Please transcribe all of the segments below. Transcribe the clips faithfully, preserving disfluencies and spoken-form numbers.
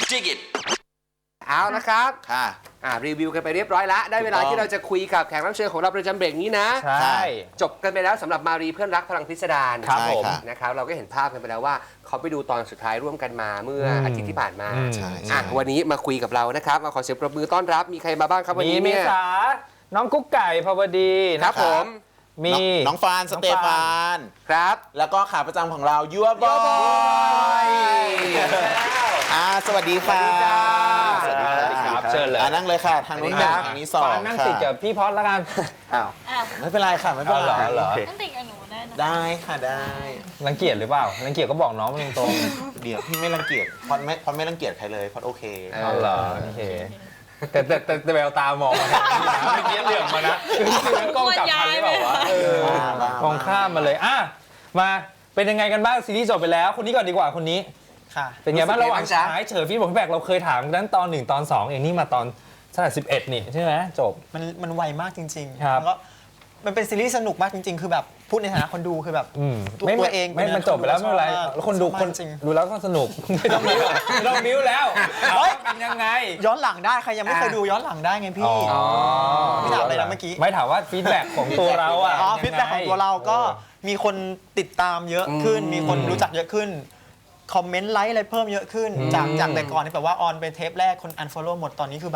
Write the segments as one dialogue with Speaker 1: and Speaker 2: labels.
Speaker 1: Dig it
Speaker 2: เอานะครับ
Speaker 3: ค่ะ
Speaker 2: อ่ารีวิวกันไปเรียบร้อยแล้วได้เวลาที่เราจะคุยกับแขกรับเชิญของเราประจำเบรกนี้นะ
Speaker 4: ใช่
Speaker 2: จบกันไปแล้วสำหรับมารีเพื่อนรักพลังพิสดาร
Speaker 4: ครับผม
Speaker 2: นะครับเราก็เห็นภาพกันไปแล้วว่าเขาไปดูตอนสุดท้ายร่วมกันมาเมื่ออาทิตย์ที่ผ่านมา
Speaker 4: อืม
Speaker 3: ใช่
Speaker 2: อ่ะวันนี้มาคุยกับเรานะครับมาขอเสียงปรบมือต้อนรับมีใครมาบ้างครับวัน
Speaker 4: มี
Speaker 2: นี้
Speaker 4: เม
Speaker 2: เนี่ย
Speaker 4: ษาน้องกุ๊กไก่ภาวดี
Speaker 2: ค
Speaker 4: นะ
Speaker 2: รับผม
Speaker 4: มี
Speaker 3: น้องฟานสเตฟาน
Speaker 2: ครับ
Speaker 3: แล้วก็ขาประจำของเรายัวบอย อ่าสวัสดีค่ะ
Speaker 2: สวัสดีครับ
Speaker 3: สวัสดีครับ
Speaker 4: เชิญเลย
Speaker 3: อ่านั่งเลยค่ะ ทางนู้นหนึ่งทางนี้สอง
Speaker 4: ฟานนั่ง
Speaker 3: ค่ะ
Speaker 4: ติดกับพี่พอดแล้วกัน
Speaker 3: อ้าวไม่เป็นไรค่ะไม่เป็น
Speaker 4: เอาเหร
Speaker 3: ไร
Speaker 4: อเหรอ
Speaker 5: ต้องติดกับหนูได้นะ
Speaker 3: ได้ค่ะได้
Speaker 4: รังเกียจหรือเปล่ารังเกียจก็บอกน้องมาตรง
Speaker 3: เดี๋ยวพี่ไม่รังเกียจพอดไม่พอดไม่รังเกียจใครเลยพอดโอเค
Speaker 4: ๆเอาเหรอโอเคแต่แต่แต่แต่แววตามองมาทางนี้นะเมื่อกี้เหลือบมานะคือกล้องจับทันหรือเปล่าวะเออ
Speaker 3: บ้าๆ
Speaker 4: มองข้ามมาเลยอ่ะมาเป็นยังไงกันบ้างซีรีส์จบไปแล้วคนนี้ก่อนดีกว่าคนนี้
Speaker 6: ค่ะ
Speaker 4: เป็นไงบ้าง
Speaker 2: รู้สึกไง
Speaker 4: ระหว่าง
Speaker 2: บ้างจ๊ะ
Speaker 4: ฉายเฉยฟีดบอกแบกเราเคยถามนั้นตอนหนึ่งตอนสองเองนี่มาตอนเท่าไหร่สิบเอ็ดนี่ใช่ไหมจบ
Speaker 6: มันมันไวมากจริงๆ
Speaker 4: ครับ
Speaker 6: แล้วก็มันเป็นซีรีส์สนุกมากจริงๆ คือแบบพูดในฐานะคนดูคือแบบ
Speaker 4: อืม
Speaker 6: ตัว
Speaker 4: ไม่
Speaker 6: ตัวเอง
Speaker 4: ไม่
Speaker 6: เป็น
Speaker 4: มันจบไปแล้ว
Speaker 6: ค
Speaker 4: ไม่
Speaker 6: นดู
Speaker 4: เป็นไร
Speaker 6: ชอบมาก
Speaker 4: แล้วคนดู
Speaker 6: ชอบมาก
Speaker 4: คน
Speaker 6: จริง
Speaker 4: ดูแล้วก็สนุก ไม่ต้องบิ้วไม่ต้องบิ้วแล้วเอาว่าเป็นยังไง
Speaker 6: ย้อนหลังได้ใครยังไม่เคยดูย้อนหลังได้ไงพี่ พี่ถามอะไรนะเมื่อกี้
Speaker 4: ไม่ถามว่าฟีดแบ็กของตัวเราอ่ะ
Speaker 6: อ๋อ
Speaker 4: ยั
Speaker 6: ฟีดแบ็กของตัวเราก็มีคนติดตามเยอะขึ้น มีคนรู้จักเยอะขึ้น คอมเมนต์ไลค์อะไรเพิ่มเยอะขึ้น จากจากแต่ก่อนที่แบบว่าออนไปเทปแรกคน unfollow หมดตอนนี้คือแบบ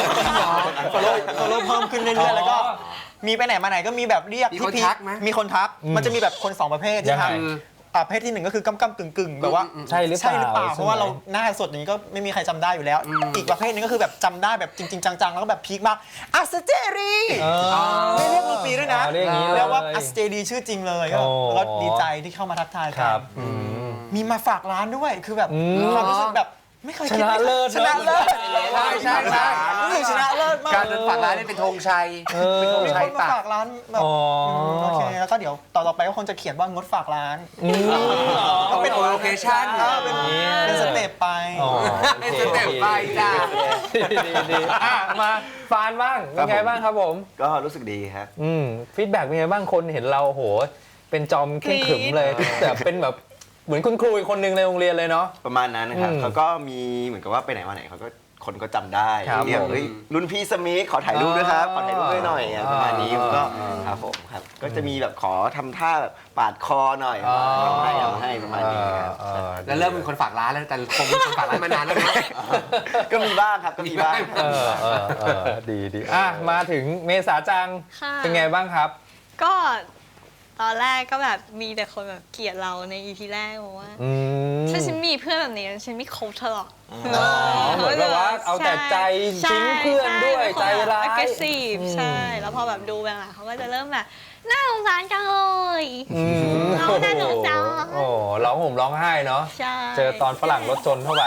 Speaker 6: follow follow เพิ่มขึ้นเรื่อยๆแล้วก็มีไปไหนมาไหนก็มีแบบเรียก
Speaker 2: มี
Speaker 6: พี่
Speaker 2: คน
Speaker 6: พี
Speaker 2: ทักไหม
Speaker 6: มีคนทัก มันจะมีแบบคนสองประเภท
Speaker 4: ยั
Speaker 6: ที่
Speaker 4: งไง
Speaker 6: ทำอ่ะประเภทที่หนึ่งก็คือกำกำกึ่งกึ่งๆแบบว่า
Speaker 4: ใช่หรือเปล่า
Speaker 6: ใช่หรือเปล่า
Speaker 4: ใช่ไหม
Speaker 6: เพราะว่าเราหน้าสดอย่างนี้ก็ไม่มีใครจำได้อยู่แล้ว อีกประเภทหนึงก็คือแบบจำได้แบบจริง ๆ จังๆ แล้วก็แบบพีคมากอัสเจรี
Speaker 4: เออ
Speaker 6: ไม่เรียกมือปีด้วยนะ
Speaker 4: อ๋อเรียกอย่างนี้เลย
Speaker 6: แล้วว่าอัสเจรีชื่อจริงเลยก็
Speaker 4: โอ้
Speaker 6: แล้วก็ดีใจที่เข้ามาทักทาย
Speaker 4: ค
Speaker 6: กั
Speaker 4: รั
Speaker 6: น
Speaker 4: บอืม
Speaker 6: มีมาฝากร้านด้วยคือแบบ
Speaker 4: อืม
Speaker 6: ความรู้สึกแบบไม่เคย
Speaker 4: ช
Speaker 6: คิด
Speaker 4: นะเลิศ
Speaker 6: ชนะเลิศ
Speaker 2: ใช่ใช่ใช่
Speaker 6: รู้สึกชนะเลิศมาก
Speaker 2: การเดินฝากร้านนี่เป็นธงชัย
Speaker 4: เออ
Speaker 2: เป็นธง
Speaker 6: มี
Speaker 2: ชั
Speaker 6: ค
Speaker 2: ย
Speaker 6: นมา
Speaker 2: ปะ
Speaker 6: ฝากร้านแบบ
Speaker 4: อ๋อ
Speaker 6: มโอเคแล้วก็เดี๋ยวต่อต่อไปก็คงจะเขียนว่างดฝากร้าน
Speaker 4: อืม
Speaker 2: ก็เป็นโลเคชั่น
Speaker 6: เออเป็นเป็นสเต็ปไป
Speaker 4: อ๋อ
Speaker 2: เป็นสเต็ปไปจ้า
Speaker 4: ดีดีดีอ่ะมาฟานบ้างเป็นไงบ้างครับผม
Speaker 7: ก็รู้สึกดีครับ
Speaker 4: อืมฟีดแบ็กเป็นไงบ้างคนเห็นเราโห เป็นจอมเข้มขรึมเลยแต่เป็นแบบเหมือนคุณครูอีกคนหนึ่งในโรงเรียนเลยเนาะ
Speaker 7: ประมาณนั้นนะครับ
Speaker 4: อืม
Speaker 7: เขาก็มีเหมือนกับว่าไปไหนมาไหนเขาก็คนก็จำได้
Speaker 4: ครับ
Speaker 7: เรียก
Speaker 4: ผม
Speaker 7: เฮ้ยรุ่นพี่สมิธขอถ่ายรูปด้วยครับขอถ่ายรูปด้วยหน่อยอ่ะประมาณนี้
Speaker 4: อ่า
Speaker 7: ผมก็
Speaker 4: อ่า
Speaker 7: ครับผมครับก็จะมีแบบขอทำท่าแบบปาดคอหน่อย
Speaker 4: อ๋อ
Speaker 7: เอาให้เอาให้ประมาณนี้ครับ
Speaker 4: เออ
Speaker 2: แล้วเริ่มเป็นคนฝากร้านแล้วแต่คงเป็นคนฝากร้านมานานแล้วนะ
Speaker 7: ก็มีบ้างครับก็มีบ้าง
Speaker 4: เออเออเออดีดีอ่ะมาถึงเมษาจัง
Speaker 5: ค่ะ
Speaker 4: เป็นไงบ้างครับ
Speaker 5: ก็ตอนแรกก็แบบมีแต่คนแบบเกลียดเราใน อี พี แรกบอกว่า
Speaker 4: อืม
Speaker 5: ถ้าฉันมีเพื่อนแบบนี้ฉันไม่คบเธอหรอก
Speaker 4: อ๋อเหมือนแบบว่าเอาแต่ใจทิ้งเพื่อนด้วยใจร้าย
Speaker 5: เกรสซีฟใช่ แล้วพอแบบดูไปหลังเขาก็จะเริ่มแบบน่าสงสารจังเลย
Speaker 4: อืม
Speaker 5: น้องน่าสงสาร
Speaker 4: โอ้โหร้องห่มร้องไห้เนาะ
Speaker 5: ใช่
Speaker 4: เจอตอนฝรั่งรถชนเข้าไป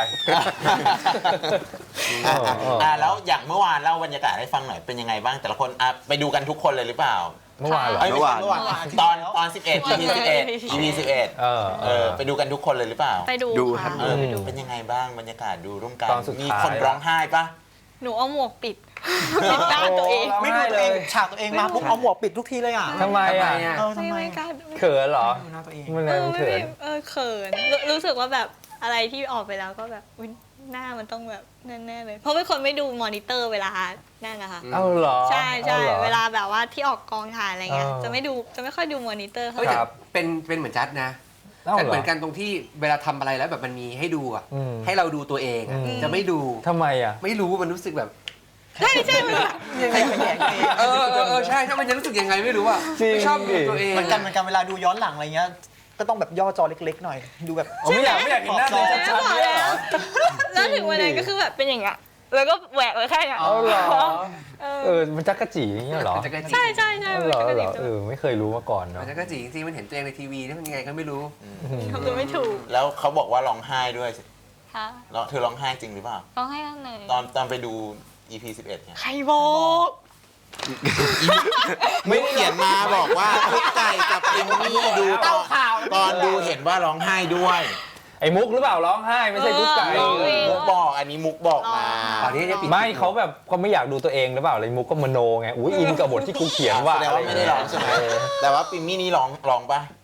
Speaker 3: อ่ะอ่ะอ่ะแล้วอย่างเมื่อวานเล่าบรรยากาศให้ฟังหน่อยเป็นยังไงบ้างแต่ละคนอ่ะไปดูกันทุกคนเลยหรือเปล่า
Speaker 4: เมื่อวานเหรอ
Speaker 3: เอ้ยไม่ใช่
Speaker 7: เมื่
Speaker 3: เมื่
Speaker 7: อ
Speaker 3: อ
Speaker 7: วาว
Speaker 3: าน นตอนตอนสิบเอ็ด อี พี สิบเอ็ด อี พี สิบเอ็ด
Speaker 4: เออ
Speaker 3: เออไปดูกันทุกคนเลยหรือเปล่า
Speaker 5: ไปดู
Speaker 7: ดูครั
Speaker 5: ค่ะ
Speaker 7: บ
Speaker 3: เออ
Speaker 5: ไปดู
Speaker 3: เป็นยังไงบ้างบรรยากาศดูร่วมกัน
Speaker 4: ตอนสุดท้าย
Speaker 3: มีคนร้องไห้ปะ
Speaker 5: หนูเอาหมวกปิด ปิดหน้าตัวเอง
Speaker 4: ร้อง
Speaker 6: ไม่
Speaker 4: ไห้
Speaker 6: ดูตัวเอง
Speaker 4: เลย
Speaker 6: ฉากตัวเองมาปุ๊บเอาหมวกปิดทุกทีเลยอ่ะ
Speaker 4: ทำไมอ่ะ
Speaker 2: ทำไมอ่ะ
Speaker 6: เออทำ
Speaker 5: ไม่
Speaker 6: ไม
Speaker 5: ไม่กล้า
Speaker 4: เขินเหรอ
Speaker 6: ดูหน้าตัวเอง
Speaker 4: มัน
Speaker 5: เอ
Speaker 4: อะไร
Speaker 5: อ
Speaker 4: มัน
Speaker 5: ไม่
Speaker 4: เขิน
Speaker 5: เออเขินรู้รู้สึกว่าแบบอะไรที่ออกไปแล้วก็แบบอุ๊ยหน้ามันต้องแบบแน่ๆเลย เพราะเป็นคนไม่ดูมอนิเตอร์เวลานั่นนะคะ
Speaker 4: เอาเหรอ
Speaker 5: ใช่ใช่
Speaker 4: อหรอ
Speaker 5: เวลาแบบว่าที่ออกกองถ่ายอะไรเงี้ย
Speaker 4: เออ
Speaker 5: จะไม่ดูจะไม่ค่อยดูมอนิเตอร์เท่า
Speaker 2: เฮ้ย
Speaker 5: ไหร่
Speaker 2: แต่
Speaker 4: ครับ
Speaker 2: เป็นเป็นเหมือนจัดนะ
Speaker 4: เอา
Speaker 2: แต่
Speaker 4: เหรอ
Speaker 2: เหมือนกันตรงที่เวลาทำอะไรแล้วแบบมันมีให้ดูอ่ะ
Speaker 4: อืม
Speaker 2: ให้เราดูตัวเองอะ
Speaker 4: อืม
Speaker 2: จะไม่ดู
Speaker 4: ทำไมอ่ะ
Speaker 2: ไม่รู้มันรู้สึกแบบ
Speaker 5: ใช่ใช่มันแบบ
Speaker 6: ยังไงขยงตัวเอง
Speaker 2: เออเออเออใช่ถ้ามันจะรู้สึกยังไงไม่รู้อ่ะ
Speaker 4: จริง
Speaker 2: ไม่ชอบดูตัวเอง
Speaker 6: เหมือนกันเหมือนกันเวลาดูย้อนหลังอะไรเงี้ยก็ต้องแบบย่อจอเล็กๆหน่อย ดูแบบ
Speaker 4: ผมไม่อยากไม่อยากเห็นหน้าตัวเองชัดๆเลยเหรอ
Speaker 5: แล้วถึงวันนั้นก็คือแบบเป็นอย่างเงี้ยแล้วก็แหวกไว้แค่เนี้ย
Speaker 4: เอาเหรอ
Speaker 5: เอ
Speaker 4: เอ
Speaker 5: อ
Speaker 4: อมันจักกะจีอย่างเงี้ยเหรอ
Speaker 2: มันจะกระจี
Speaker 5: ใช่ใช่ใช่
Speaker 4: เอา
Speaker 5: มัน
Speaker 4: เหรอ
Speaker 5: จะกระ
Speaker 4: เหร
Speaker 5: ดิ
Speaker 4: อก เออไม่เคยรู้มาก่อนเนาะ
Speaker 2: มันจะกระจีจริงๆมันเห็นตัวเองในทีวีนี่มันยังไงก็ไม่รู้
Speaker 5: ทำตัวไม่ถูก
Speaker 3: แล้วเขาบอกว่าร้องไห้ด้วย
Speaker 5: ค่ะ
Speaker 3: แล้วเธอร้องไห้จริงหรือเปล่า
Speaker 5: ร้องไห้ข้างใน
Speaker 3: ตอนตอนไปดู อี พี สิบเอ็ดเนี่ย
Speaker 5: ใครบอก
Speaker 3: ไม่เขียนมาบอกว่าทุกไก่กับเอมมี่ดูตอนตอนดูเห็นว่าร้องไห้ด้วย
Speaker 4: ไอ้มุกหรือเปล่าร้องไห้ไม่ใช่กุ๊กไก่
Speaker 5: ร้องเอง
Speaker 3: มุกบอกอันนี้มุกบอกมา
Speaker 2: ตอนนี้จะปิด
Speaker 4: ไม่เขาแบบเขาไม่อยากดูตัวเองหรือเปล่าเลยมุกก็มโนไงอุ้ยอินกับบทที่กูเขียนว่า
Speaker 3: แสดงว่าไม่ได้ร้องใช่ไหมแต่ว่าปิมมี่นี่ร้องร้องปะ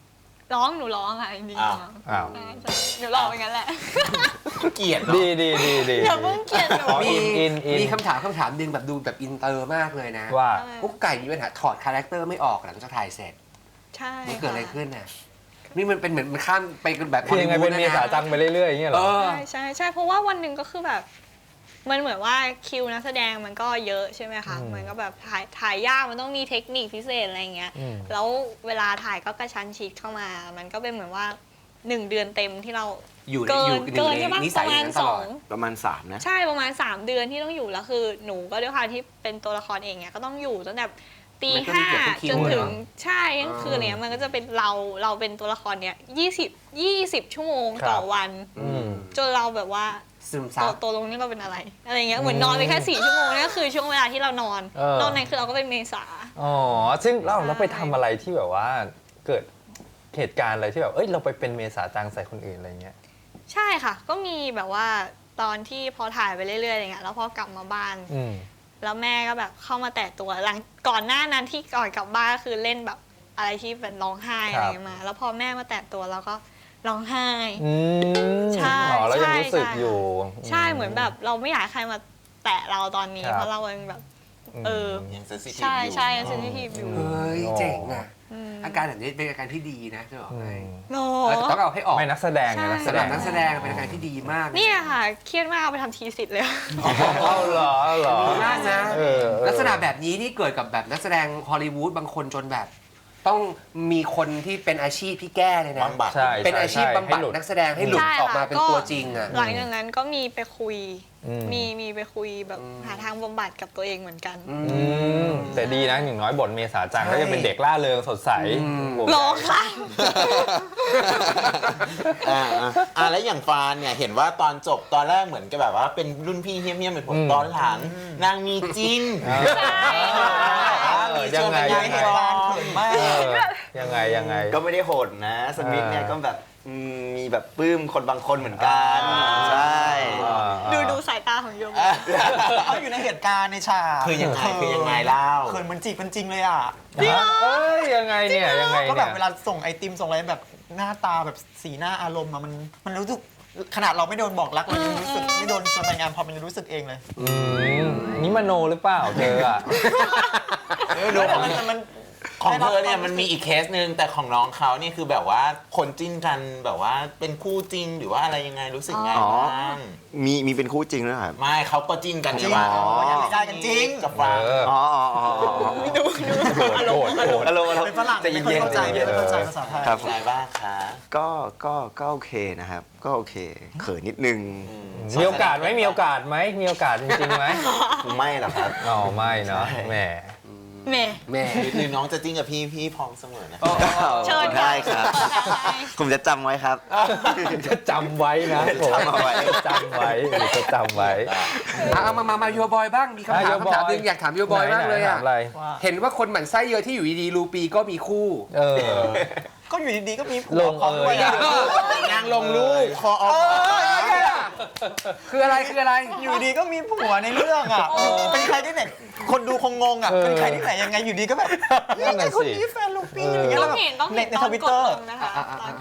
Speaker 5: ร้องหนูร้องค่ะจริงๆ
Speaker 3: อ้าว
Speaker 5: ร้อง
Speaker 4: อ้าว
Speaker 5: ใช่ใช่หนูร้องไปงั้นแหละ
Speaker 3: เกลียดเนาะ
Speaker 4: ดีดีดีดี
Speaker 5: อย่าเพิ่งเกลียดหนู
Speaker 4: อ๋อ
Speaker 2: มี
Speaker 4: อินอิน
Speaker 2: มีคำถามคำถามหนึ่งแบบดูแบบอินเตอร์มากเลยนะ
Speaker 4: ว่า
Speaker 2: กุ๊กไก่มีปัญหาถอดคาแรคเตอร์ไม่ออกหลังจากถ่ายเสร็จ
Speaker 5: ใช่
Speaker 2: มันเกิดอะไร
Speaker 5: ค่
Speaker 2: ขึ้นน่ะนี่มันเป็นเหมือนมันข้ามไปแบบ
Speaker 4: คือยังไงเป็นเมษาจังไปเรื่อยๆอย่างเงี้ยเหร
Speaker 2: เอ
Speaker 4: อ
Speaker 2: อ
Speaker 5: ใช่ใช่ใช่เพราะว่าวันหนึ่งก็คือแบบ มันเหมือนว่าคิวนักแสดงมันก็เยอะใช่ไหมคะ
Speaker 4: อืม
Speaker 5: มันก็แบบถ่ายถ่ายยากมันต้องมีเทคนิคพิเศษอะไรเงี้ย
Speaker 4: อืม
Speaker 5: แล้วเวลาถ่ายก็กระชั้นชิดเข้ามา มันก็เป็นเหมือนว่าหนึ่งเดือนเต็มที่เรา
Speaker 2: อยู่ใน
Speaker 5: เกิ
Speaker 2: อยู่
Speaker 5: น
Speaker 2: ใน
Speaker 5: เกินใช่ปะ
Speaker 2: นิ
Speaker 5: ป
Speaker 2: สัย
Speaker 5: ระ
Speaker 2: อ
Speaker 5: มา
Speaker 2: ย่า
Speaker 5: ณ
Speaker 2: งนั้น
Speaker 5: ส
Speaker 2: ตล
Speaker 5: อ
Speaker 2: อด
Speaker 5: ง
Speaker 7: ประมาณสามนะ
Speaker 5: ใช่ประมาณสามเดือนที่ต้องอยู่แล้วคือหนูก็ด้วยความที่เป็นตัวละครเองเนี่ยก็ต้องอยู่ตั้งแต่ตี
Speaker 2: มันก็มี
Speaker 5: ห้า
Speaker 2: เกือบทุกคิว
Speaker 5: จนถึง
Speaker 2: เนอะ
Speaker 5: ใช่กลางคืนเนี้ยมันก็จะเป็นเราเราเป็นตัวละครเนี่ยยี่สิบยี่สิบชั่วโมงต่อวัน
Speaker 4: อืม
Speaker 5: จนเราแบบว่า
Speaker 2: ซึม
Speaker 5: ตั
Speaker 2: ซั
Speaker 5: ว
Speaker 2: บ
Speaker 5: ตัวลงนี่เราเป็นอะไรอะไรเงี้ยเหมือนนอนไปแค่สี่ชั่วโมงนี่ก็คือช่วงเวลาที่เรานอน
Speaker 4: เออ
Speaker 5: นอกนั้นคือเราก็เป็นเมษา
Speaker 4: อ๋อซึ่งเราเราไปทำอะไรที่แบบว่าเกิดเหตุการณ์อะไรที่แบบเอ้ยเราไปเป็นเมษาจังใส่คนอื่นอะไรเงี้ย
Speaker 5: ใช่ค่ะ ก็มีแบบว่าตอนที่พอถ่ายไปเรื่อยๆอะไรเงี้ยแล้วพอกลับมาบ้าน
Speaker 4: อืม
Speaker 5: แล้วแม่ก็แบบเข้ามาแตะตัวหลังก่อนหน้านั้นที่ก่อนกลับบ้านก็คือเล่นแบบอะไรที่เป็นร้องไห้
Speaker 4: ครั
Speaker 5: อะไร
Speaker 4: บ
Speaker 5: เงี้ยมา แล้วพอแม่มาแตะตัวเราก็ร้องไห้
Speaker 4: อืม
Speaker 5: ใช่
Speaker 4: อ๋อแล้วยัง
Speaker 5: ใช่
Speaker 4: รู้สึก
Speaker 5: ใช่
Speaker 4: อยู่
Speaker 5: ใช่เหมือนแบบเราไม่อยากให้ใครมาแตะเราตอนนี้
Speaker 4: ครับ
Speaker 5: เพราะเรายังแบบ เออ
Speaker 3: ยังเซนซิทีฟ
Speaker 5: ใช่
Speaker 3: อยู่
Speaker 5: ใช่เซนซิทีฟอยู่
Speaker 2: เฮ้ยเจ๋งอ่ะ
Speaker 5: อืม
Speaker 2: อาการแบบนี้เป็นอาการที่ดีนะจะบอก
Speaker 4: อื
Speaker 2: ให้
Speaker 4: ม
Speaker 5: โน
Speaker 2: เออแต่ต้องเอาให้ออก
Speaker 4: ไม่นักแสดงไง
Speaker 5: ใช่
Speaker 4: นักแส
Speaker 2: สำห
Speaker 4: ด
Speaker 2: รับ
Speaker 4: ง
Speaker 2: นักแสดงเป็นอาการที่ดีมาก
Speaker 5: เนี่ยค่ะเครียดมากเอาไปทำทีสิทธิ์เลย
Speaker 4: เอาเหรอเอาเหรอ
Speaker 2: ดีมากนะ
Speaker 4: เออเออ
Speaker 2: ลักษณะแบบนี้นี่เกิดกับแบบนักแสดงฮอลลีวูดบางคนจนแบบ ต้องมีคนที่เป็นอาชีพที่แก้เลยนะ
Speaker 3: บำบัด
Speaker 4: ใช่
Speaker 2: เป็นอาชีพ
Speaker 4: ใช่
Speaker 2: บำบัด
Speaker 4: ให้หลุด
Speaker 2: นักแสดงให้หลุด
Speaker 5: ใช่
Speaker 2: ออกมา
Speaker 5: ค่ะ
Speaker 2: เป็น
Speaker 5: ก็
Speaker 2: ตัวจริงอ่ะ
Speaker 5: หลังจากนั้นก็มีไปคุย
Speaker 4: อืม
Speaker 5: มีมีไปคุยแบบ
Speaker 2: อืม
Speaker 5: หาทางบำบัดกับตัวเองเหมือนกัน
Speaker 2: อื
Speaker 4: อื
Speaker 2: ม
Speaker 4: มแต่ดีนะอย่างน้อยบทเมษาจัง
Speaker 2: ใช่
Speaker 4: ก็จะเป็นเด็กล่าเริงสดใส
Speaker 2: อืม
Speaker 4: โอ้โห
Speaker 5: รอค่ะ
Speaker 3: อ่าอ่าอ่าแล้วอย่างฟานเนี่ยเห็นว่าตอนจบตอนแรกเหมือนกับแบบว่าเป็นรุ่นพี่เฮี้ยมๆเป็นผลตอนหลังนางมีจริง
Speaker 4: เออยังไง
Speaker 3: มี
Speaker 4: ยัง
Speaker 3: เห
Speaker 4: ไง
Speaker 3: ตุ
Speaker 6: กา
Speaker 3: การ รณ์
Speaker 6: เขินมาก
Speaker 4: เออยังไงยังไง
Speaker 7: ก็ไม่ได้โหดนะ สมิธเนี่ยก็แบบอืมมีแบบปลื้มคนบางคนเหมือนกัน
Speaker 3: อ่า
Speaker 7: ใช่
Speaker 5: ดูดูสายตาของโยม
Speaker 6: เขาอยู่ในเหตุการณ์ในฉาก
Speaker 3: คือยังไงคือยังไงเล่า
Speaker 6: เขินเหมือนจีบกันจริงเลยอ่ะ
Speaker 4: เอ้ยยังไงเนี่ยยังไง
Speaker 6: ก็แบบ
Speaker 4: เนี่ย
Speaker 6: เวลาส่งไอติมส่งอะไรแบบหน้าตาแบบสีหน้าอารมณ์อะมันมันรู้สึกขนาดเราไม่โดนบอกรักเรายังรู้สึกไม่โดนชวนไปงานพอมันยังรู้สึกเองเลย
Speaker 4: อืมนี่มโนหรือเปล่าเธออ่ะ
Speaker 6: แต่มันแต่มัน
Speaker 3: ของเธอเนี่ยมันมีอีกเคสหนึ่งแต่ของน้องเขาเนี่ยคือแบบว่าคนจิ้นกันแบบว่าเป็นคู่จริงหรือว่าอะไรยังไงรู้สึกไง
Speaker 7: อ๋อ
Speaker 3: บ้าง
Speaker 7: มีมีเป็นคู่จริงด้วยเหรอครับ
Speaker 3: ไม่เขาก็จิ้นกัน
Speaker 6: จริง
Speaker 3: ว่า
Speaker 6: อ๋อยังไม่ได้กันจริง
Speaker 3: กับฟัง
Speaker 4: เออ
Speaker 7: อ๋ออ๋ออ๋ออ๋อ
Speaker 4: โกรธโกรธโกรธ
Speaker 7: ฮัลโหลฮัลโหล
Speaker 6: เป็นฝรั่ง
Speaker 7: ใจ
Speaker 6: ไม่
Speaker 7: เย็น
Speaker 6: ค่อยเข้าใจ
Speaker 7: ๆ
Speaker 6: ไม่ค่อยเข้าใจภาษาไทย
Speaker 7: ครับ
Speaker 3: อะไรบ้างคะ
Speaker 7: ก็ก็ก็โอเคนะครับ ก็โอเค เขินนิดนึง
Speaker 4: มีโอกาสไหมมีโอกาสไหมมีโอกาสจริงๆไหม
Speaker 7: ไม่หรอกครับ
Speaker 4: อ๋อไม่เนาะ
Speaker 7: ใช่
Speaker 4: แหม
Speaker 5: แหม่
Speaker 2: แม่
Speaker 3: หรือน้องจะจิ้นกับพี่พี่พร้อมเสมอนะ
Speaker 5: เชิญ
Speaker 7: ได้ครับ
Speaker 5: เปิดทางให้
Speaker 7: ผมจะจำไว้ครับ
Speaker 4: จะจำไว้นะผม
Speaker 7: จำเอาไว้
Speaker 4: จะจำไว้หรือจะจำไว้
Speaker 2: เอาเอามามามาโยบอยบ้างมีคำถาม
Speaker 4: อ่ะโยบอย
Speaker 2: คำถามหนึงอยากถามโยบอยมากเลย
Speaker 4: ไหนๆ
Speaker 2: อ่ะ
Speaker 4: ถามอะไร
Speaker 6: ว่า
Speaker 2: เห็นว่าคนหมั่นไส้เยอะที่อยู่ดีๆรูปีก็มีคู่
Speaker 4: เออ
Speaker 6: ก็อยู่ดีๆก็มีผั
Speaker 4: ล
Speaker 6: ว
Speaker 4: ง
Speaker 6: พร้อมด้วย
Speaker 4: เอย
Speaker 6: อะ
Speaker 3: นางลงรูปคอออฟ
Speaker 2: คืออะไรคืออะไร
Speaker 6: อยู่ดีก็มีผัวในเรื่องอ่ะเป็นใครที่ไหนคนดูคงงงอ่ะ
Speaker 4: เออ
Speaker 6: เป็นใครที่ไหนยังไงอยู่ดีก็แบบ
Speaker 4: นั่นน่ะ
Speaker 6: ไอ้คน
Speaker 4: สิ
Speaker 6: นี้แฟนลูปี้
Speaker 4: เอออ
Speaker 6: อย่างเงี้ย
Speaker 5: ต้
Speaker 6: แล้
Speaker 5: อ
Speaker 6: ว
Speaker 5: ง
Speaker 6: แบบ
Speaker 5: เห็นต้อง
Speaker 6: ใน
Speaker 5: เห็น
Speaker 6: ใน
Speaker 5: ต
Speaker 6: ท
Speaker 5: อน
Speaker 6: วิต
Speaker 5: ก
Speaker 6: เต
Speaker 5: ด
Speaker 6: อร์
Speaker 5: ลงนะคะ
Speaker 2: อ่ะอ่ะอ่ะ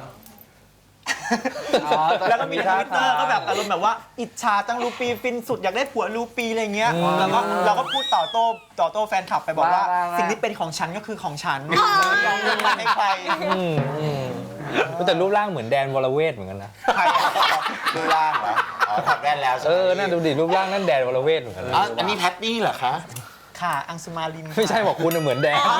Speaker 6: แล้วก็มีทวิตเตอร์ก็แบบอารมณ์แบบว่าอิจฉาจังลูปีฟินสุดอยากได้ผัวลูปีอะไรเงี้ย
Speaker 4: อืม
Speaker 6: แล้วก็เราก็พูดต่อโต้ต่อโต้แฟนคลับไปบอกว่า
Speaker 2: ว่าว่า
Speaker 6: สิ่งที่เป็นของฉันก็คือของฉันไม่ยอมยกมันให้ใคร
Speaker 4: อืมอืมแต่รูปร่างเหมือนแดนวรเวทเหมือนกันนะ
Speaker 6: ใคร
Speaker 3: ดูล่างเหรออ๋อถักแว่นแล้วใช่ไห
Speaker 4: เอ
Speaker 3: ม
Speaker 4: อน่าดูดิรูปร่างนั่นแดนวรเวทเหมือนกันนะ
Speaker 3: อ๋ออันนี้แพตตี้เหรอคะ
Speaker 6: ค่ะอังสุมาลิน
Speaker 4: ไม่ใช่บอกคุณน่ะเหมือนแดง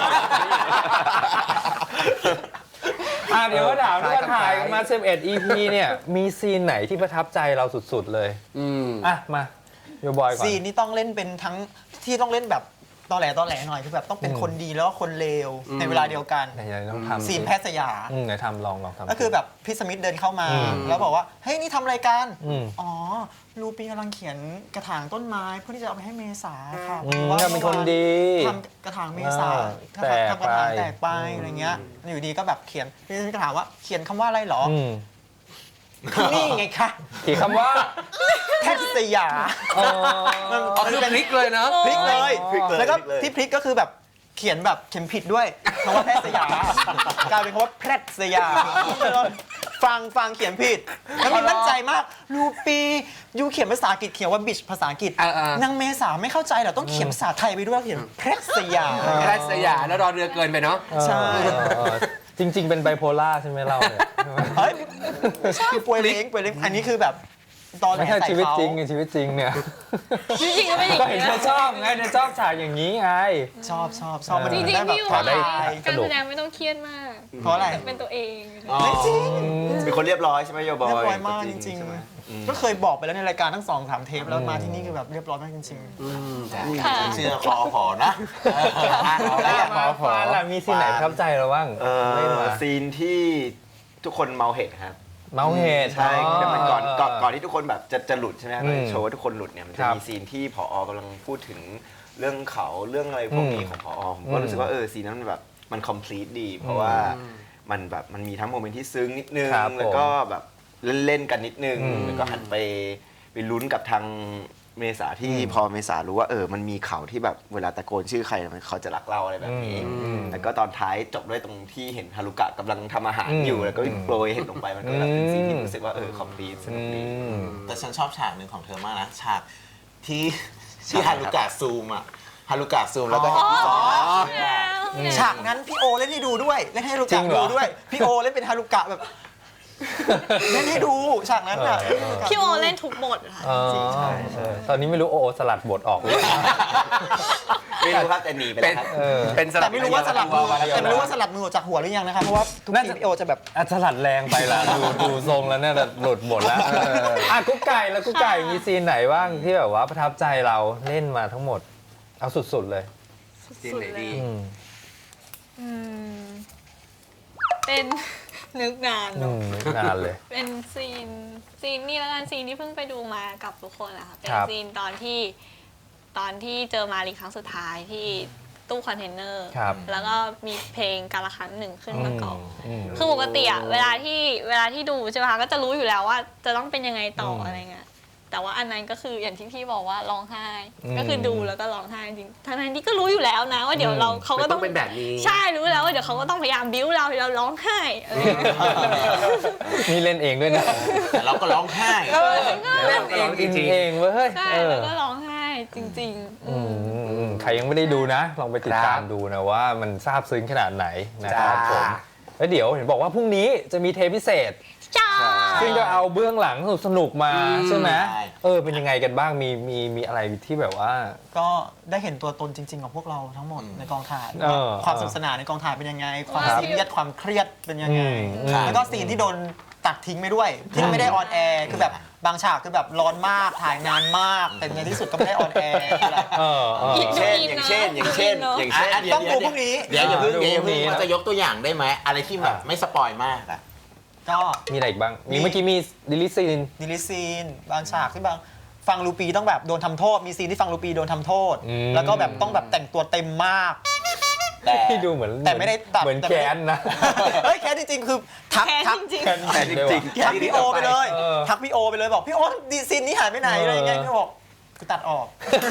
Speaker 4: อ่ะเดี๋ยวก็ถามว่าถ่ายกันมาสิบเอ็ด อี พี เนี่ยมีซีนไหนที่ประทับใจเราสุดๆเลย
Speaker 2: อืม
Speaker 4: อ่ะมาโยบอยก่อน
Speaker 6: ซีนนี่ต้องเล่นเป็นทั้งที่ต้องเล่นแบบตอแหลตอแหลหน่อยคือแบบต้องเป็น
Speaker 4: อืม
Speaker 6: คนดีแล้วก็คนเลว
Speaker 2: อืม
Speaker 6: ในเวลาเดียวกัน
Speaker 4: ไหนๆต้องทำ
Speaker 6: ซีนแพทย์สยาม
Speaker 4: อืมไหนทำลองลองทำ
Speaker 6: ก็คือแบบพี่สมิธเดินเข้ามา
Speaker 4: อืม
Speaker 6: แล้วบอกว่าเฮ้ยนี่ทำอะไรกัน
Speaker 4: อืม
Speaker 6: อ๋อลูปีกำลังเขียนกระถางต้นไม้เพื่อที่จะเอาไปให้เมษาค่ะ
Speaker 4: อืม
Speaker 6: ว่า
Speaker 4: ก็เป็นคนดี
Speaker 6: ทำกระถางเมษา
Speaker 4: อ่า
Speaker 6: ทำทำกระถาง
Speaker 4: แตกไป
Speaker 6: แตกไปอะไรเงี้ยอยู่ดีก็แบบเขียนพี่สมิธก็ถามว่าเขียนคำว่าอะไรหรอ
Speaker 4: อืม
Speaker 6: นี่ไงคะ
Speaker 4: กี่คำว่า
Speaker 6: แพทย์สยาม
Speaker 4: อ๋อ
Speaker 6: มัน
Speaker 2: อ๋อคือพลิกเลยเนาะ
Speaker 6: พลิกเลย
Speaker 7: พลิกเลย
Speaker 6: แล้วก็
Speaker 7: พลิกเลย
Speaker 6: ที่พลิกก็คือแบบเขียนแบบเขียนผิดด้วยคำว่าแพทย์สยามกลายเป็นคำว่าแพทย์สยามฟังฟังเขียนผิดแล้วมีมั่นใจมากรูปียูเขียนภาษาอังกฤษเขียนว่าบิชภาษาอังกฤษ
Speaker 2: เออเออ
Speaker 6: นางเมษาไม่เข้าใจเหรอต้องเขียนภาษาไทยไปด้วยเขียนแพทย์สยาม
Speaker 2: แพทย์สยามแล้วรอเรือเกินไปเนาะ
Speaker 6: ใช่
Speaker 4: เออเออจริง ๆ เป็นไบโพล่าใช่ไหมเราเนี่ย
Speaker 6: เฮ้ยใช่ป่วยเล้งป่วยเล้งอันนี้คือแบบตอนแหล
Speaker 4: ไม่ใช่
Speaker 6: ใส่
Speaker 4: ชีวิต
Speaker 6: เขา
Speaker 4: จริงไงชีวิตจริงเนี่ย
Speaker 5: จริงๆก็ไม่อย่าง
Speaker 4: ก็เห็น
Speaker 5: นี้
Speaker 4: เธอ
Speaker 5: นะ
Speaker 4: ชอบไงเธอชอบฉากอย่างนี้ไง
Speaker 6: ชอบชอบชอบมัน
Speaker 5: จริง
Speaker 6: ได้
Speaker 5: ๆ
Speaker 6: แบบ
Speaker 5: พี่อยู่
Speaker 6: ผ่อน
Speaker 4: ได้
Speaker 6: คลาย
Speaker 5: การแสดงไม่ต้องเครียดมาก
Speaker 6: เพราะอะไร
Speaker 5: เป็นตัวเอง
Speaker 3: อ๋อ
Speaker 6: ไม่จริง
Speaker 7: เป็นคนเรียบร้อยใช่ไหมโยบอย
Speaker 6: เรียบร้อยมากจ
Speaker 7: จ
Speaker 6: ริ
Speaker 7: ริ
Speaker 6: ง
Speaker 7: งๆใช่ไหม
Speaker 6: ๆก็เคยบอกไปแล้วในรายการทั้งสองสามเทปแล้วมาที่นี่คือแบบเรียบร้อยมากจริง
Speaker 5: ค่ะ
Speaker 3: เชื่อคอพอนะ
Speaker 6: แล้วอย่าง
Speaker 4: มาฟานล่ะมีซีนไหนประทับใจเราบ้าง
Speaker 7: เอ
Speaker 4: เล่น
Speaker 7: อ
Speaker 4: มา
Speaker 7: ซีนที่ทุกคนเมาเห็ดครับ
Speaker 4: เมาเหตุ
Speaker 7: ใช่แต่มันก่อนก่อนก่อนที่ทุกคนแบบจะจะหลุดใช่ไหมครับ
Speaker 4: อืม
Speaker 7: โชว์ว่าทุกคนหลุดเนี่ยมันจะ
Speaker 4: ครับ
Speaker 7: มีซีนที่ผอกำลังพูดถึงเรื่องเขาเรื่องอะไรพวกนี้
Speaker 4: อืม
Speaker 7: ของผอผมก็รู้สึกว่าเออซีนนั้นมันแบบมัน complete ดี เพราะว่ามันแบบมันมีทั้งโมเมนต์ที่ซึ้งนิดนึง
Speaker 4: ครับผม
Speaker 7: แล้วก็แบบเล่นๆกันนิดนึง
Speaker 4: อืม
Speaker 7: แล้วก็หันไปไปลุ้นกับทางเมษาที่
Speaker 4: อืม
Speaker 7: พอเมษารู้ว่าเออมันมีเขาที่แบบเวลาตะโกนชื่อใครมันเขาจะรักเราอะไรแบบนี้
Speaker 4: อืม
Speaker 7: แล้วก็ตอนท้ายจบด้วยตรงที่เห็นฮารุกะกำลังทำอาหาร
Speaker 4: อืม
Speaker 7: อยู่แล้วก็โปรยเห็นลงไปมันก็แบบเป็นซีนที่
Speaker 4: อืม
Speaker 7: รู้สึกว่าเออคอมพลีทสนุกดี
Speaker 4: อืม
Speaker 3: แต่ฉันชอบฉากหนึ่งของเธอมากนะ ฉากที่ที่ฮารุกะซูมอะฮารุกะซูมแล้วก็เห็นพี่ซอส
Speaker 6: ๆ ฉากนั้นพี่โอเล่นให้ดูด้วยเล่นให้ฮารุ
Speaker 4: จริ
Speaker 6: กะ
Speaker 4: งเหร
Speaker 6: ดู
Speaker 4: อ
Speaker 6: ด้วยพี่โอเล่นเป็นฮารุกะแบบเล่นให้ดูฉากนั้นอ่ะ
Speaker 4: เออเออ
Speaker 5: พี่โอเล่นทุกบทค่ะ
Speaker 4: อ๋อเออตอนนี้ไม่รู้โอโอสลัดบทออกหรือเปล่า
Speaker 7: ไม่รู้ครับแต่หนีไปแล้วครับ
Speaker 4: เออ
Speaker 2: เป็นสลั
Speaker 6: แต่
Speaker 2: บ
Speaker 6: ไม่รู้ว่าสลับมือแต่ไม่รู้ว่าสลับมือออกจากหัวหรือยังนะครับเพราะว่าทุกทีพี่โอจะแบบ
Speaker 4: อัสลัดแรงไปละดูดูทรงแล้วเนี่ยหลุดหมดแล้วเอออ่ะกุ๊กไก่แล้วกุ๊กไก่มีซีนไหนบ้างที่แบบว่าประทับใจเราเล่นมาทั้งหมด เอาสุดๆเลย
Speaker 2: ซีนไหนดี
Speaker 4: อืม
Speaker 5: อืมเป็น นึกนาน
Speaker 4: อื
Speaker 5: เนอะ
Speaker 4: มนึกนานเลย
Speaker 5: เป็นซีนซีนนี่แล้วกันซีนที่เพิ่งไปดูมากับทุกคนนะคะเป็น
Speaker 4: ครับ
Speaker 5: ซีนตอนที่ตอนที่เจอมารีครั้งสุดท้ายที่ตู้คอนเทนเนอร์
Speaker 4: ครับ
Speaker 5: แล้วก็มีเพลงการละครั้งหนึ่งขึ้นประกอบ
Speaker 4: อืม
Speaker 5: คือปกติอะเวลาที่เวลาที่ดูใช่ไหมคะก็จะรู้อยู่แล้วว่าจะต้องเป็นยังไงต่อ
Speaker 4: ม
Speaker 5: อะไรเงี้ยแต่ว่าอันนั้นก็คืออย่างที่พี่บอกว่าร้องไห้
Speaker 4: อืม
Speaker 5: ก็คือดูแล้วก็ร้องไห้จริงทั้งนั้นที่ก็รู้อยู่แล้วนะว่าเดี๋ยวเราเขา
Speaker 2: มั
Speaker 5: ก็
Speaker 2: น
Speaker 5: ต้
Speaker 2: ต้
Speaker 5: อ
Speaker 2: อง งเป็นแบบนี้
Speaker 5: ใช่รู้แล้วว่าเดี๋ยวเขาก็ต้องพยายามบิ้วเราให้เราร้องไห้อะไรอย่างเงี้ย
Speaker 4: นี่เล่นเองด้วยนะ
Speaker 3: แต่เราก็ร้องไห้
Speaker 5: เออก็
Speaker 2: เล่
Speaker 5: เล่
Speaker 2: น
Speaker 5: น
Speaker 2: เองจริงๆ
Speaker 4: เองเว้ยเฮ้ย
Speaker 5: ใช่
Speaker 4: เออ
Speaker 5: แล้วก็ร้องไห้จริงๆ
Speaker 4: อื
Speaker 5: อื
Speaker 4: ม
Speaker 5: ม
Speaker 4: อืมอืมใครยังไม่ได้ดูนะ ลองไปติดตามดูนะว่ามันซาบซึ้งขนาดไหนนะครับ
Speaker 2: จ้า
Speaker 4: ผมแล้วเดี๋ยวเห็นบอกว่าพรุ่งนี้จะมีเทปพิเศษ
Speaker 5: จ้า
Speaker 4: ซึ่งก็เอาเบื้องหลังสนุกๆมา
Speaker 2: อืม
Speaker 4: ใช่ไหม
Speaker 3: ใช่
Speaker 4: เออเป็นยังไงกันบ้างมีมีมีอะไรที่แบบว่า
Speaker 6: ก็ได้เห็นตัวตนจริง ๆ ของพวกเราทั้งหมดในกองถ่าย
Speaker 4: เออ
Speaker 6: ความสนุกสนานในกองถ่ายเป็นยังไง ความ
Speaker 5: ครับ
Speaker 6: ซีเรียสความเครียดเป็นยังไง
Speaker 4: อืมอืม
Speaker 6: แล้วก็ซีนที่โดนตัดทิ้งไปด้วย ที่ไม่ได้ออนแอร์คือแบบบางฉากคือแบบร้อนมากถ่ายนานมาก แต่ในที่สุดก็ไม่ได้ออนแอร์
Speaker 4: เออเออ
Speaker 7: เช่นอย่างเช่นอย่างเช่นอย่างเช่น
Speaker 3: อ่ะเดี๋ยว
Speaker 6: ต้องดูพรุ่งนี้
Speaker 3: เดี๋ยวอย่าเพิ่ง
Speaker 4: ดู
Speaker 3: เดี๋ยวอย่า
Speaker 4: พรุ่
Speaker 3: เพิ่
Speaker 4: ง
Speaker 3: ง
Speaker 4: นี้
Speaker 3: มันจะยกตัวอย่างได้ไหมอะไรที่แบบไม่สปอยมากอะ
Speaker 6: ก็
Speaker 4: มีอะไรอีกบ้าง มี
Speaker 6: มี
Speaker 4: เมื่อกี้มีดิลิซีน
Speaker 6: ดิลิซีนบางฉากที่บางฟังลูปีต้องแบบโดนทำโทษ มีซีนที่ฟังลูปีโดนทำโทษ
Speaker 4: อืม
Speaker 6: แล้วก็แบบต้องแบบแต่งตัวเต็มมาก
Speaker 3: แต่
Speaker 4: ที่ดูเหมือน
Speaker 6: แต่ไม่ได้ตัด
Speaker 4: เหมือน
Speaker 6: แต่
Speaker 4: แก
Speaker 6: ไม่ได้
Speaker 4: นนะ
Speaker 6: เฮ้ยแค่จริงๆ คือทัก
Speaker 5: แค้น
Speaker 6: ทัก
Speaker 5: จริง
Speaker 4: แกนแต่จริง
Speaker 6: ทักพี่โอไปเลย
Speaker 4: เออ
Speaker 6: ทักพี่โอไปเลยบอกพี่โอดีซีนนี้หายไปไหนอะไรอย่างเงี้ย
Speaker 4: เออ
Speaker 6: พี่บอกกูตัดออก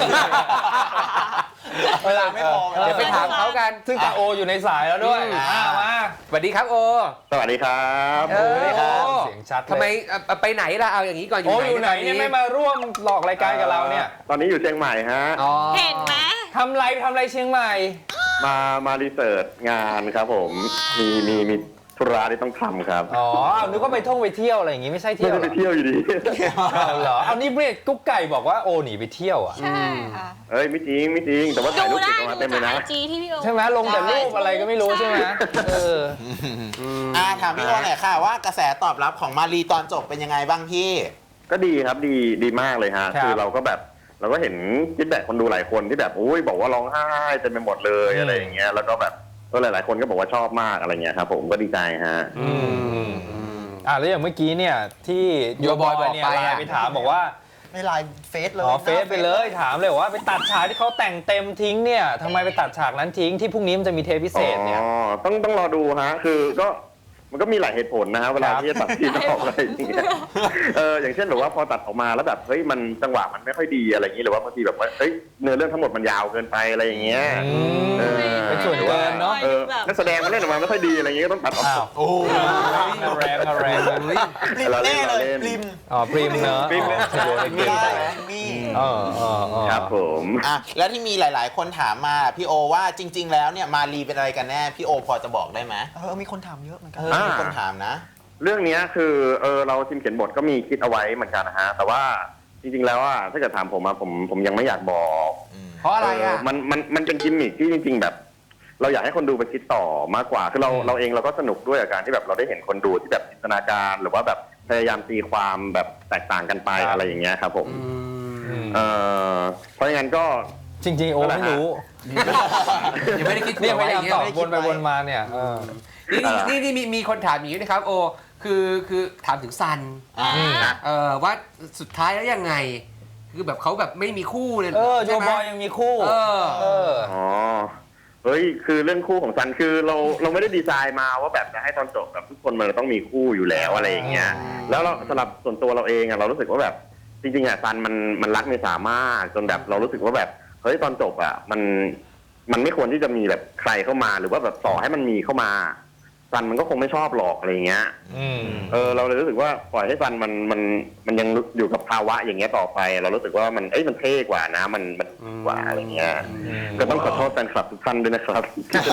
Speaker 6: เวลาไม่พอ
Speaker 2: เดี๋ยวไปถามเขากัน
Speaker 4: ซึ่งตาโออยู่ในสายแล้วด้วย
Speaker 2: อืม
Speaker 4: อ่ามา
Speaker 2: สวัสดีครับโอ
Speaker 1: สวัสดีครับ
Speaker 2: เออ
Speaker 4: เสียงชัดเลย
Speaker 2: ทำไมเอ่อไปไหนล่ะเอาอย่างนี้ก่อนอ
Speaker 4: โอยู่
Speaker 2: ไหน
Speaker 4: อยู่ไหนเนี่ย
Speaker 2: ต
Speaker 4: ไม่มาร่วมหลอกรายการกับเราเนี่ย
Speaker 1: ตอนนี้อยู่เชียงใหม่ฮะ
Speaker 2: อ๋อ
Speaker 5: ๆ เห็นไหม
Speaker 4: ทำไรทำไรเชียงใหม่
Speaker 1: มามารีเสิร์ชงานครับผม มีมีมีธุระที่ต้องทำครับ
Speaker 4: อ๋อเอานึกว่าไปท่องไปเที่ยวอะไรอย่างงี้ไม่ใช่
Speaker 1: ไม่
Speaker 4: เที่ยว
Speaker 1: ได้
Speaker 4: เหร
Speaker 1: ไป
Speaker 4: อ
Speaker 1: เที่ยวอยู่ดี
Speaker 4: เอาเหรอเอานี่เบรกกุ๊กไก่บอกว่าโอหนีไปเที่ยวอ่ะ
Speaker 5: ใช่ค่ะ
Speaker 1: เอ้ยไม่จริงไม่จริง แต่ว่าถ่าย
Speaker 5: ดู
Speaker 1: รูป
Speaker 5: ได้
Speaker 1: เก็บมา
Speaker 5: ดู
Speaker 1: เต็มเล
Speaker 5: จาก
Speaker 1: ย
Speaker 5: ไอ
Speaker 1: นะ
Speaker 5: จีที่พี่โอ
Speaker 4: ใช่ไหมลงแต่รูปอะไรก็ไม่รู้ใช่ไหมเออ
Speaker 3: อ่าถามพี่โอหน่อยค่ะว่ากระแสตอบรับของมารีตอนจบเป็นยังไงบ้างพี่
Speaker 1: ก็ดีครับดีดีมากเลยฮะ
Speaker 4: ครับ
Speaker 1: คือเราก็แบบเราก็เห็นฟีดแบ็กคนดูหลายคนที่แบบอุ้ยบอกว่าร้องไห้เต็มไปหมดเลย
Speaker 4: อืม
Speaker 1: อะไรอย่างเงี้ย แล้วก็แบบก็หลาย ๆ คนก็บอกว่าชอบมากอะไรเงี้ยครับผมก็ดีใจฮะ
Speaker 4: อืมอ่าแล้วอย่างเมื่อกี้เนี่ยที่โยบอยเนี่ย
Speaker 2: บอกไป
Speaker 4: ไล
Speaker 2: อะ
Speaker 4: น์ไปถามบอกว่า
Speaker 6: ในไลน์เฟซเลย
Speaker 4: อ๋อเฟซไปเลยถามเลยว่าไปตัดฉากที่เขาแต่งเต็มทิ้งเนี่ยทำไมไปตัดฉากนั้นทิ้งที่พรุ่งนี้มันจะมีเทปพิเศษเนี่ย
Speaker 1: อ๋อ ต้องต้องรอดูฮะ คือก็มันก็มีหลายเหตุผลนะฮะเวลาที่จะตัดซีนออกอะไรอย่างเงี้ยเอออย่างเช่นแบบว่าพอตัดออกมาแล้วแบบเฮ้ยมันจังหวะมันไม่ค่อยดีอะไรอย่างงี้หรือว่าบางทีแบบว่าเฮ้ยเนื้อเรื่องทั้งหมดมันยาวเกินไปอะไรอย่างเงี้ย
Speaker 4: อืม
Speaker 1: เออ
Speaker 4: เป็นส่วนเกินเนาะ
Speaker 1: เออนักแสดงมันเล่นออกมาไม่ค่อยดีอะไรอย่างเงี้ยก็ต้องตัดออก
Speaker 4: อ้าวโอ้เอาแรงเอาแรง
Speaker 2: เฮ้ย
Speaker 6: ปริมแน่เลยปริม
Speaker 4: อ๋อพริมเนอะ
Speaker 1: พริม
Speaker 4: อ๋อโยนให้
Speaker 6: ไม่
Speaker 4: เก่ง
Speaker 6: ได้
Speaker 4: ไป
Speaker 6: มี
Speaker 4: เออเออเออ
Speaker 1: ครับผม
Speaker 3: อ่ะแล้วที่มีหลาย ๆ คนถามมาพี่โอว่าจริง ๆ แล้วเนี่ยมารีเป็นอะไรกันแน่พี่โอพอจะบอกได้ไหม
Speaker 6: เออมีคนถามเยอะเหมือนกัน
Speaker 3: เออมีคนถามนะ
Speaker 1: เรื่องเนี้ยคือเออเราทีมเขียนบทก็มีคิดเอาไว้เหมือนกันนะฮะแต่ว่าจริงๆแล้วอ่ะถ้าเกิดถามผมอะผมผมยังไม่อยากบอก
Speaker 2: เพราะอะไรอ่ะ
Speaker 1: เมันมันมันเป็นกิมมิคที่จริง ๆ แบบ เราอยากให้คนดูไปคิดต่อมากกว่าคือเราเราเองเราก็สนุกด้วยกับการที่แบบเราได้เห็นคนดูที่แบบจินตนาการหรือว่าแบบพยายามตีความแบบแตกต่างกันไปอะไรอย่างเงี้ยครับผม
Speaker 4: อืม
Speaker 1: เออเพราะงั้นก็
Speaker 4: จริงๆโอไม่รู้
Speaker 2: ยังไม่ได้คิด
Speaker 4: เนี่ยพ
Speaker 2: ไว้
Speaker 4: ยายาม
Speaker 2: งงี้
Speaker 4: ตอบ
Speaker 2: หรอ
Speaker 4: วนไปวนมาเนี่ยเออ
Speaker 2: นี่นี่นี่มีมีคนถามอย่างนี้นะครับโอคือคือถามถึงซัน
Speaker 3: อ่า
Speaker 2: เออว่าสุดท้ายแล้วยังไง คือแบบเขาแบบไม่มีคู่เลย
Speaker 4: เออโย
Speaker 2: ใช่ไหม
Speaker 4: บอยยังมีคู่
Speaker 2: เออ
Speaker 4: เออ
Speaker 1: อ๋อเฮ้ยคือเรื่องคู่ของซันคือเราเราไม่ได้ดีไซน์มาว่าแบบจะให้ตอนจบแบบทุกคนมันต้องมีคู่อยู่แล้วอะไรอย่างเงี้ย แล้วเราสำหรับส่วนตัวเราเองอะเรารู้สึกว่าแบบจริงๆอะซันมันมันรักเมษามากจนแบบเรารู้สึกว่าแบบเฮ้ยตอนจบอะมันมันไม่ควรที่จะมีแบบใครเข้ามาหรือว่าแบบต่อให้มันมีเข้ามาซันมันก็คงไม่ชอบหรอกอะไรเงี้ย
Speaker 4: อืม
Speaker 1: เออเราเลยรู้สึกว่าปล่อยให้ซันมันมันมันยังอยู่กับภาวะอย่างเงี้ยต่อไป เรารู้สึกว่ามันเอ้ยมันเท่กว่านะมันมันดีกว่าอะไรเงี้ย ก็ต้องขอโทษแฟนคลับทุกท่านด้วยนะครับ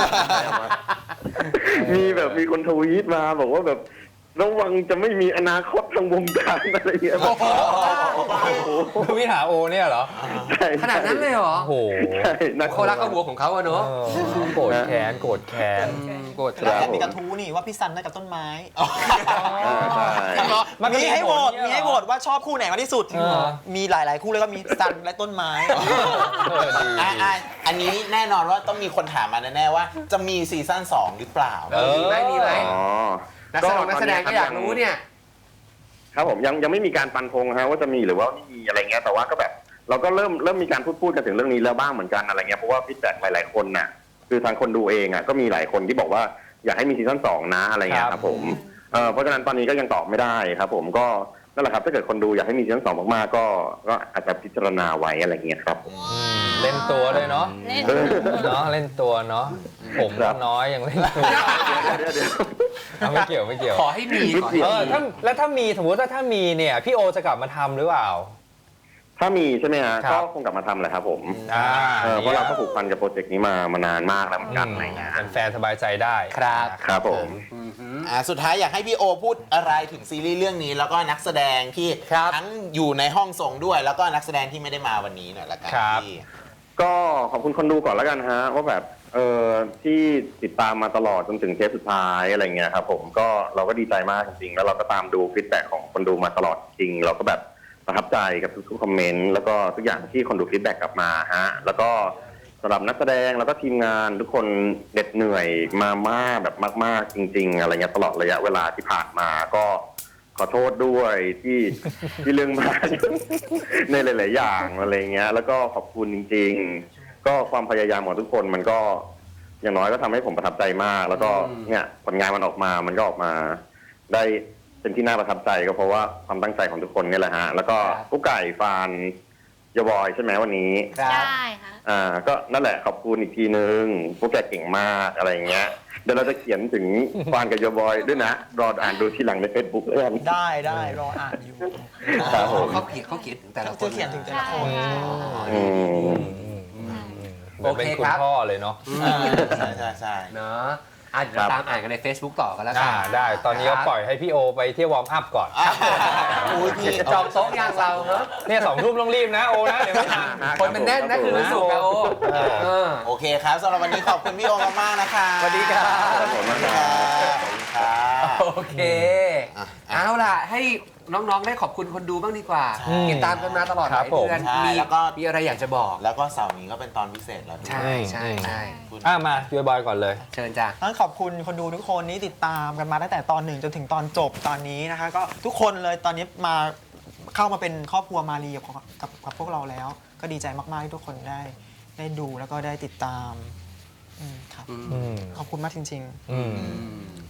Speaker 1: มีแบบมีคนทวีตมาบอกว่าแบบระวังจะไม่มีอนาคตทางวงการอะไรเงี้ย
Speaker 2: โอ้โห
Speaker 4: วิถาโอเนี่ยเหรอ
Speaker 1: ใช่
Speaker 2: ขนาดนั้นเลยเหรอ
Speaker 4: โอ้โห
Speaker 1: ใช่นะ
Speaker 2: เขารักเอาหัวของเขาอะ
Speaker 4: เอ
Speaker 2: เนอะ
Speaker 4: อโกรธแค้นโกรธแค้น
Speaker 2: อืมโกรธ
Speaker 6: แล้วแอบมีกระทู้นี่ว่าพี่ซันได้กับต้นไม้
Speaker 1: อ่าใช่
Speaker 4: มันก็
Speaker 6: มีให้โหวต
Speaker 4: มี
Speaker 6: มี
Speaker 4: ให้
Speaker 6: ให้
Speaker 4: โห
Speaker 6: โห
Speaker 4: ว
Speaker 6: ว
Speaker 4: ต
Speaker 6: ตว่าชอบคู่ไหนมากที่สุด
Speaker 4: เออ
Speaker 6: มีหลาย ๆ คู่เลยก็มีซันและต้นไม้
Speaker 4: เออดี
Speaker 3: อ่ะอ่ะอันนี้แน่นอนว่าต้องมีคนถามมาแน่ๆว่า จะมีซีซั่นสองหรือเปล่า
Speaker 2: เออมีไหมมีไหม
Speaker 1: อ๋อ
Speaker 2: นักแสดงนักแสดงก็อยากรู้เนี่ย
Speaker 1: ครับผมยังยังไม่มีการฟันธงฮะว่าจะมีหรือว่าไม่มีอะไรเงี้ยแต่ว่าก็แบบเราก็เริ่มเริ่มมีการพูดพูดกันถึงเรื่องนี้แล้วบ้างเหมือนกันอะไรเงี้ยเพราะว่าฟีดแบ็กหลายๆคนน่ะคือทางคนดูเองอ่ะก็มีหลายคนที่บอกว่าอยากให้มีซีซั่นสองนะอะไรเงี้ยครับผมเออเพราะฉะนั้นตอนนี้ก็ยังตอบไม่ได้ครับผมก็นั่นแหละครับถ้าเกิดคนดูอยากให้มีซีซั่นสองมากๆก็ก็อาจจะพิจารณาไว้อะไรเงี้ยครับ
Speaker 4: เล่นตัวด้วยเนาะ
Speaker 5: เล่น
Speaker 4: เนาะเล่นตัวเนาะผม
Speaker 1: ครับ
Speaker 4: น้อยยังเล่นตัว
Speaker 1: เดี๋ยวเดี๋ยว
Speaker 4: เอาไม่เกี่ยวไม่เกี่ยว
Speaker 2: ขอให้มีขอให้
Speaker 4: เออ
Speaker 2: มี
Speaker 4: ถ้าแล้วถ้ามีสมมติว่าถ้ามีเนี่ยพี่โอจะกลับมาทำหรือเปล่า
Speaker 1: ถ้ามีใช่ไหมฮะ
Speaker 4: ครั
Speaker 1: ก็
Speaker 4: บ
Speaker 1: คงกลับมาทำแหละครับผม
Speaker 4: อ่า
Speaker 1: เออเพราะเราก็ผูกพันกับโปรเจกต์นี้มามานานมากแล้วเหมือนกันอะไรเงี้ย
Speaker 4: แฟนๆสบายใจได้
Speaker 2: ครับ
Speaker 1: ครับผม
Speaker 2: อืมหือ
Speaker 3: อ่าสุดท้ายอยากให้พี่โอพูดอะไรถึงซีรีส์เรื่องนี้ แล้วก็นักแสดงที่
Speaker 2: ครับ
Speaker 3: ทั้งอยู่ในห้องส่งด้วย แล้วก็นักแสดงที่ไม่ได้มาวันนี้หน่อยละกัน
Speaker 4: ครับ
Speaker 3: พี่
Speaker 1: ก็ขอบคุณคนดูก่อนแล้วกันฮะว่าแบบเออที่ติดตามมาตลอดจนถึงเทปสุดท้ายอะไรเงี้ยครับผมก็เราก็ดีใจมากจริงๆแล้วเราก็ตามดูฟีดแบ็กของคนดูมาตลอดจริง เราก็แบบประทับใจกับทุกๆคอมเมนต์แล้วก็ทุกอย่างที่คนดูฟีดแบ็กกลับมาฮะแล้วก็สำหรับนักแสดงแล้วก็ทีมงานทุกคนเหน็ดเหนื่อยมามากแบบมาก ๆ จริง ๆ อะไรเงี้ยตลอดระยะเวลาที่ผ่านมาก็ขอโทษด้วยที่ที่เรื่องมาก ในหลาย ๆ อย่างอะไรเงี้ยแล้วก็ขอบคุณจริง ๆ ก็ความพยายามของทุกคนมันก็อย่างน้อยก็ทำให้ผมประทับใจมาก แล้วก็เนี่ยผลงานมันออกมามันก็ออกมาได้เป็นที่น่าประทับใจก็เพราะว่าความตั้งใจของทุกคนนี่แหละฮะแล้วก็กุ๊กไก่ฟานยบอยใช่ไหมวันนี้
Speaker 2: ครับ
Speaker 5: ใช่ค่ะ
Speaker 1: อ่าก็นั่นแหละขอบคุณอีกทีนึงพวกแกเก่งมากอะไรเงี้ยเดี๋ยวเราจะเขียนถึงฟานกับยบอยด้วยนะรออ่านดูทีหลังในเฟซบุ๊กแล้วกัน
Speaker 6: ได้ได้รออ่านอยู่
Speaker 1: ครับผม
Speaker 2: เขาเขียนเขาเขียนถึงแต่ละค
Speaker 6: จะ
Speaker 2: น
Speaker 6: เขียนถึงแต่ละคน
Speaker 5: ใช่
Speaker 1: อืม
Speaker 4: เหมือนเป็นคุณพ่อเลยเนาะ
Speaker 3: ใช่ใช่ใช่
Speaker 2: เนาะอ่ะเดี๋ยวเราตามอ่านกันใน Facebook ต่อกันแล้วกั
Speaker 4: อ่าได้ตอนนี้ก็ปล่อยให้พี่โอไปเที่ยววอร์มอัพก่อน
Speaker 3: อุ้ยพี่
Speaker 2: จองโต๊ะยังเราเนอะ
Speaker 4: เนี่ยสองทุ่มต้องรีบนะโอนะเดี๋ยวไม่ทัน
Speaker 2: คนมันแน่นนะคือรู้สึกนะโอเออ
Speaker 3: โอเคครับสำหรับวันนี้ขอบคุณพี่โอมากๆนะคะ
Speaker 2: สวัสดีครับ
Speaker 3: ขอบคุณมากครับขอบคุณครับ
Speaker 2: โอเค
Speaker 3: อ่ะ
Speaker 2: เอาล่ะ ให้น้องๆได้ขอบคุณคนดูบ้างดีกว่า
Speaker 3: ใช่
Speaker 2: ติดตามกันมาตลอดห
Speaker 4: ครั
Speaker 2: ลา
Speaker 4: บ
Speaker 2: ย
Speaker 4: ผม
Speaker 2: เดือน
Speaker 3: ใช่
Speaker 2: มี
Speaker 3: แล้วก็
Speaker 2: มีอะไรอยากจะบอก
Speaker 3: แล้วก็เสาร์นี้ก็เป็นตอนพิเศษแล้วด้วย
Speaker 2: ใช่ใช่ใช่
Speaker 3: คุณ
Speaker 4: อ่ะมาโยบอยก่อนเลย
Speaker 2: เชิญจ้ะ
Speaker 6: ต้องขอบคุณคนดูทุกคนที่ติดตามกันมาตั้งแต่ตอนหนึ่งจนถึงตอนจบตอนนี้นะคะ ก็ทุกคนเลยตอนนี้มาเข้ามาเป็นครอบครัวมารีกับกับกับพวกเราแล้ว ก็ดีใจมากๆที่ทุกคนได้ได้ดูแล้วก็ได้ติดตามอืมครับ
Speaker 4: อืม
Speaker 6: ขอบคุณมากจริง
Speaker 4: อืม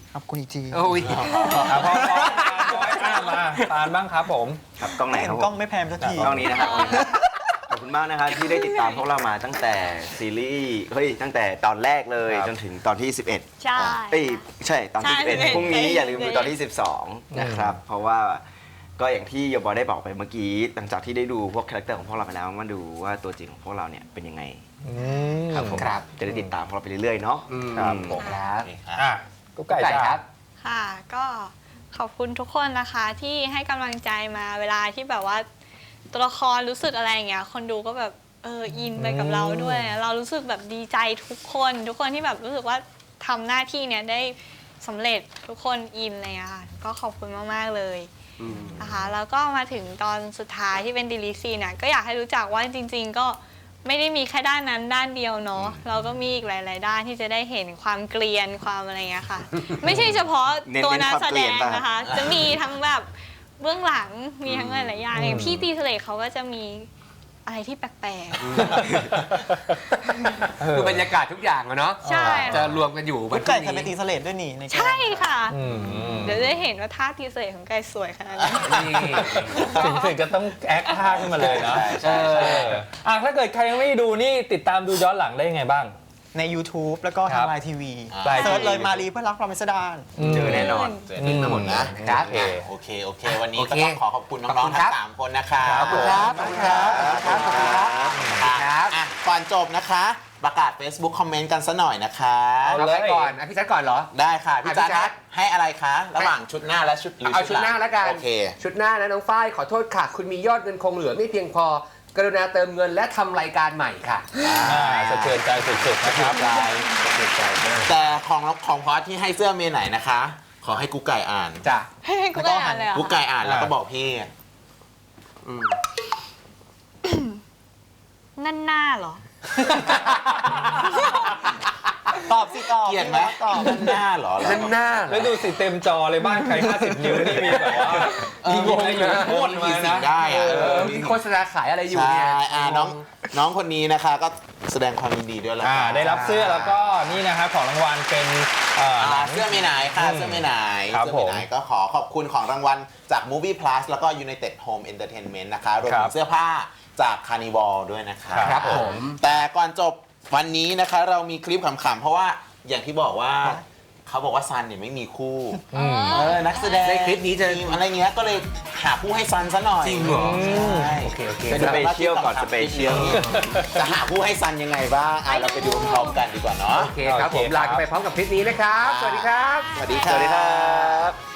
Speaker 6: ขอบคุณอีกที
Speaker 2: โอ้ย
Speaker 4: อ่ะพอพอพออ่ะมาปานบ้างครับผม
Speaker 7: ครับกล้องไหน
Speaker 6: เห็
Speaker 7: คน รับ
Speaker 6: กล้องไม่แพมสักที
Speaker 7: กล้องนี้นะครับขอบคุณมากนะครับที่ได้ติดตามพวกเรามาตั้งแต่ซีรีส์เฮ้ยตั้งแต่ตอนแรกเลย
Speaker 4: ครับ
Speaker 7: จนถึงตอนที่สิบเอ็ด
Speaker 5: ใช่
Speaker 7: เอ้ยใช่ตอนที่
Speaker 5: ใช่
Speaker 7: สิบเอ็ด
Speaker 5: สิบเอ็ด
Speaker 7: พรุ่งนี้อย่าลืมดู
Speaker 5: ใช่
Speaker 7: ตอนที่สิบสองนะครับเพราะว่าก็อย่างที่โยบอยได้บอกไปเมื่อกี้หลังจากที่ได้ดูพวกคาแรคเตอร์ของพวกเราไปแล้วมาดูว่าตัวจริงของพวกเราเนี่ยเป็นยังไง
Speaker 4: อืม
Speaker 7: ครับผม
Speaker 2: ครับ
Speaker 7: จะได้ติดตามพวกเราไปเรื่อยๆเนาะ
Speaker 2: อืม
Speaker 7: ครับผม
Speaker 2: ครับ
Speaker 4: อ่ะกุ๊กไก่
Speaker 2: ไก่
Speaker 4: จ้า
Speaker 2: ครับ
Speaker 5: ค่ะก็ขอบคุณทุกคนนะคะที่ให้กำลังใจมาเวลาที่แบบว่าตัวละครรู้สึกอะไรอย่างเงี้ยคนดูก็แบบเอออินไปกับเราด้วย เรารู้สึกแบบดีใจทุกคนทุกคนที่แบบรู้สึกว่าทำหน้าที่เนี้ยได้สำเร็จทุกคนอินอะไรเลยค่ะก็ขอบคุณมากๆเลยนะคะแล้วก็มาถึงตอนสุดท้ายที่เป็นดีลิซีเนี่ยก็อยากให้รู้จักว่าจริง ๆ ก็ไม่ได้มีแค่ด้านนั้นด้านเดียวเนาะเราก็มีอีกหลาย ๆ ด้านที่จะได้เห็นความเกลียนความอะไรเงี้ยค่ะ ไม่ใช่เฉพาะ
Speaker 7: เน้น
Speaker 5: ตัว
Speaker 7: เน้น
Speaker 5: นัก
Speaker 7: ความ
Speaker 5: แส
Speaker 7: เกลี
Speaker 5: ด
Speaker 7: ยน
Speaker 5: ง
Speaker 7: ป่ะ
Speaker 5: นะคะ จะมีทั้งแบบเบื้องหลังมีทั้งหลายๆอย่างอย่างพี่ตีทะเลเขาก็จะมีอะไรที่แปลก
Speaker 2: คือบรรยากาศทุกอย่างอะเนาะ
Speaker 5: ใช่
Speaker 2: จะรวมกันอยู่
Speaker 6: กุ๊กไก่เคยไปตีเสลดด้วยนี่ใน
Speaker 5: ๆ
Speaker 6: แกม
Speaker 5: ใช่ค่ะ
Speaker 4: อืม
Speaker 5: เดี๋ยวได้เห็นว่าท่าตีทะเลของไก่สวยขนาดไหน
Speaker 2: นี่
Speaker 4: ถึงถึงจะต้องแอคท่าขึ้นมาเลยนะ
Speaker 7: ใช่ใช่
Speaker 4: เอออ่ะถ้าเกิดใครยังไม่ดูนี่ติดตามดูย้อนหลังได้ยังไงบ้าง
Speaker 6: ใน YouTube แล้วก็
Speaker 4: ครั
Speaker 6: ทาง
Speaker 4: บ
Speaker 6: ไลน์ทีวี
Speaker 4: ไลน์ทีวี
Speaker 6: เซิร์ชเลยมารีเพื่อนรักพรหมสดาน
Speaker 7: เจอแน่นอน
Speaker 3: เจอทั้งหมดนะ
Speaker 2: ครั
Speaker 3: โอบ เคโอเคโอเค วันนี้
Speaker 2: โอ
Speaker 3: ก็
Speaker 2: เค
Speaker 3: ต้องขอขอบคุณ
Speaker 2: ขอบ
Speaker 3: น้อ
Speaker 2: คุ
Speaker 3: ง
Speaker 2: ณ
Speaker 3: ๆ
Speaker 2: ครั
Speaker 3: ทั้
Speaker 2: บ
Speaker 3: งสามคนนะครับ
Speaker 2: ขอบคุณครับขอบคุณครับขอบคุณครับ
Speaker 3: ครับอ่ะก่อนจบนะคะ ประกาศ Facebook คอมเมนต์กันซะหน่อยนะคะ
Speaker 2: เอา
Speaker 4: เลย
Speaker 2: ใครก่อนอ่ะพี่แจ๊คก่อนเหรอ
Speaker 3: ได้ค่ะ พี่
Speaker 2: อ่ะ
Speaker 3: จั
Speaker 2: พี่จ๊ะ
Speaker 3: ดให้อะไรคะ ระหว่างชุดหน้าและชุดหรือ
Speaker 2: เอาชุดหน้าแล้วกัน
Speaker 3: โอเค
Speaker 2: ชุดหน้านะน้องฝ้ายขอโทษค่ะ คุณมียอดเงินคงเหลือไม่เพียงพอกรุณาเติมเงินและทำรายการใหม่ค่ะ
Speaker 4: อ่าสะเทือนใจสุดๆนะครับ
Speaker 3: แต่ของของพอสที่ให้เสื้อเมย์ไหนนะคะ ขอให้กุ๊กไก่อ่าน
Speaker 2: จ้ะ
Speaker 5: ให้กูได้อ่านเลยเหรอ
Speaker 3: กุ๊กไก่อ่านแล้วก็บอกพี่
Speaker 2: อืม
Speaker 5: นั่นหน้าเหรอ
Speaker 6: ตอบสิตอบ
Speaker 3: เกลียดไหม
Speaker 6: ตอบ
Speaker 3: ด้านหน้าเหรอ
Speaker 2: นั่นหน้าเหร
Speaker 4: แล้
Speaker 2: อ
Speaker 4: วดูสิเต็มจอเลยบ้านใครห้าสิบนิ้วนี่มีแบบว่ามีงงอยู่โคตรมา
Speaker 3: สิ่
Speaker 4: นะ
Speaker 3: งได้อะ
Speaker 2: เอ
Speaker 3: เอ
Speaker 2: อ
Speaker 3: อ
Speaker 2: มีโฆษณาขายอะไรอยู่
Speaker 3: ใช่
Speaker 2: เนี่ย
Speaker 3: อ่าน้องน้องคนนี้นะคะก็แสดงความยินดีด้วยแล้ว
Speaker 4: อ่า
Speaker 3: กัน
Speaker 4: ได้รับเสื้อแล้วก็นี่นะครับของรางวัลเป็นเอ่อหนั
Speaker 3: อ่าง เสื้อเมย์ไหนค่ะ
Speaker 4: อืม
Speaker 3: เสื้อเมย์ไหน
Speaker 4: ครับ
Speaker 3: เสื้อเมย์ไหน
Speaker 4: ผม
Speaker 3: ก็ขอขอบคุณของรางวัลจาก Movie Plus แล้วก็ United Home Entertainment นะคะรวม
Speaker 4: ครั
Speaker 3: ถึ
Speaker 4: บ
Speaker 3: งเสื้อผ้าจาก Carnival ด้วยนะคะ
Speaker 2: ครับผม
Speaker 3: แต่ก่อนจบวันนี้นะคะเรามีคลิปขำๆเพราะว่าอย่างที่บอกว่าเขาบอกว่าซันเนี่ยไม่มีคู่
Speaker 4: อืม
Speaker 3: เออนักแสดง
Speaker 2: ในคลิปนี้จะ
Speaker 3: ทีมอะไรเงี้ยก็เลยหาผู้ให้ซันซะหน่อย
Speaker 2: จริงเหรอ
Speaker 3: ใช่
Speaker 2: โอเคโอเค
Speaker 3: เป็น
Speaker 7: สเปเชียลก่อนสเปเชียล
Speaker 3: จะหาผู้ให้ซันยังไงบ้างอ่ะเราไปดูพร้อมกันดีกว่าเนาะ
Speaker 2: โอเคครับผม
Speaker 4: โอเคครับ
Speaker 2: ลากันไปพร้อมกับคลิปนี้นะครับ สวัสดีครับ
Speaker 3: สวัสดีครับ